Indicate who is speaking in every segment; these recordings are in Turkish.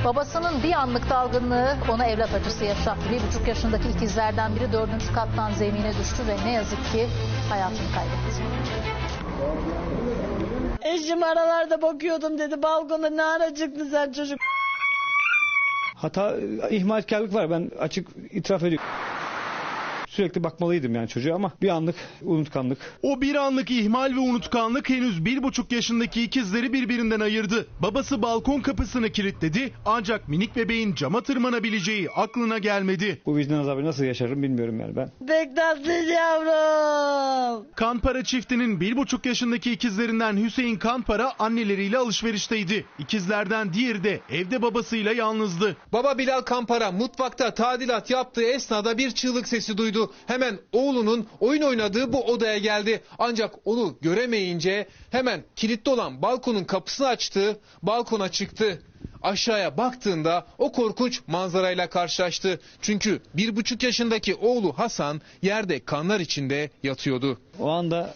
Speaker 1: Babasının bir anlık dalgınlığı ona evlat acısı yaşattı. 1,5 yaşındaki ikizlerden biri 4. kattan zemine düştü ve ne yazık ki hayatını kaybetti.
Speaker 2: Eşim aralarda bakıyordum dedi, balkonda ne ara çıktın sen çocuk.
Speaker 3: Hata, ihmalkarlık var, ben açık itiraf ediyorum. Sürekli bakmalıydım yani çocuğa ama bir anlık unutkanlık.
Speaker 4: O bir anlık ihmal ve unutkanlık henüz 1,5 yaşındaki ikizleri birbirinden ayırdı. Babası balkon kapısını kilitledi ancak minik bebeğin cama tırmanabileceği aklına gelmedi.
Speaker 3: Bu vicdan azabı nasıl yaşarım bilmiyorum yani ben.
Speaker 2: Pek tatlı yavrum.
Speaker 4: Kanpara çiftinin 1,5 yaşındaki ikizlerinden Hüseyin Kanpara anneleriyle alışverişteydi. İkizlerden diğeri de evde babasıyla yalnızdı.
Speaker 5: Baba Bilal Kanpara mutfakta tadilat yaptığı esnada bir çığlık sesi duydu. Hemen oğlunun oyun oynadığı bu odaya geldi. Ancak onu göremeyince hemen kilitli olan balkonun kapısını açtı, balkona çıktı. Aşağıya baktığında o korkunç manzarayla karşılaştı. Çünkü 1,5 yaşındaki oğlu Hasan yerde kanlar içinde yatıyordu.
Speaker 3: O anda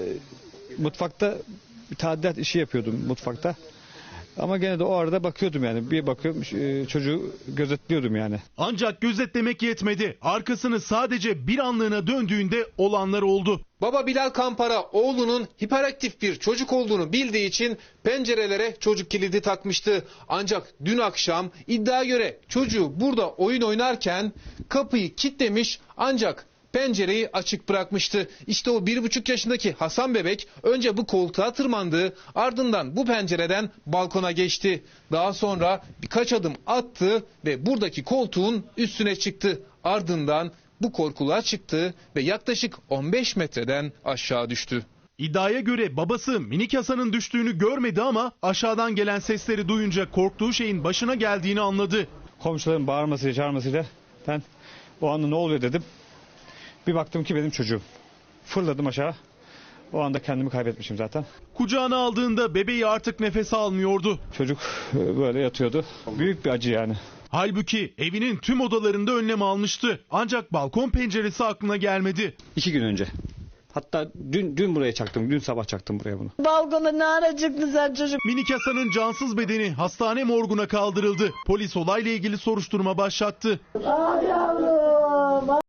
Speaker 3: mutfakta bir tadilat işi yapıyordum mutfakta. Ama gene de o arada bakıyordum yani. Bir bakıyorum çocuğu gözetliyordum yani.
Speaker 4: Ancak gözetlemek yetmedi. Arkasını sadece bir anlığına döndüğünde olanlar oldu.
Speaker 5: Baba Bilal Kanpara oğlunun hiperaktif bir çocuk olduğunu bildiği için pencerelere çocuk kilidi takmıştı. Ancak dün akşam iddiaya göre çocuğu burada oyun oynarken kapıyı kilitlemiş ancak pencereyi açık bırakmıştı. İşte o 1,5 yaşındaki Hasan bebek önce bu koltuğa tırmandı, ardından bu pencereden balkona geçti. Daha sonra birkaç adım attı ve buradaki koltuğun üstüne çıktı. Ardından bu korkuluğa çıktı ve yaklaşık 15 metreden aşağı düştü.
Speaker 4: İddiaya göre babası minik Hasan'ın düştüğünü görmedi ama aşağıdan gelen sesleri duyunca korktuğu şeyin başına geldiğini anladı.
Speaker 3: Komşuların bağırmasıyla çağırmasıyla ben o anda ne oluyor dedim. Bir baktım ki benim çocuğum. Fırladım aşağı. O anda kendimi kaybetmişim zaten.
Speaker 4: Kucağına aldığında bebeği artık nefes almıyordu.
Speaker 3: Çocuk böyle yatıyordu. Büyük bir acı yani.
Speaker 4: Halbuki evinin tüm odalarında önlem almıştı. Ancak balkon penceresi aklına gelmedi.
Speaker 3: 2 gün önce. Hatta dün buraya çaktım. Dün sabah çaktım buraya bunu.
Speaker 2: Balkonda ne ara çıktın sen çocuk.
Speaker 4: Minik Hasan'ın cansız bedeni hastane morguna kaldırıldı. Polis olayla ilgili soruşturma başlattı.
Speaker 2: Ah yavrum.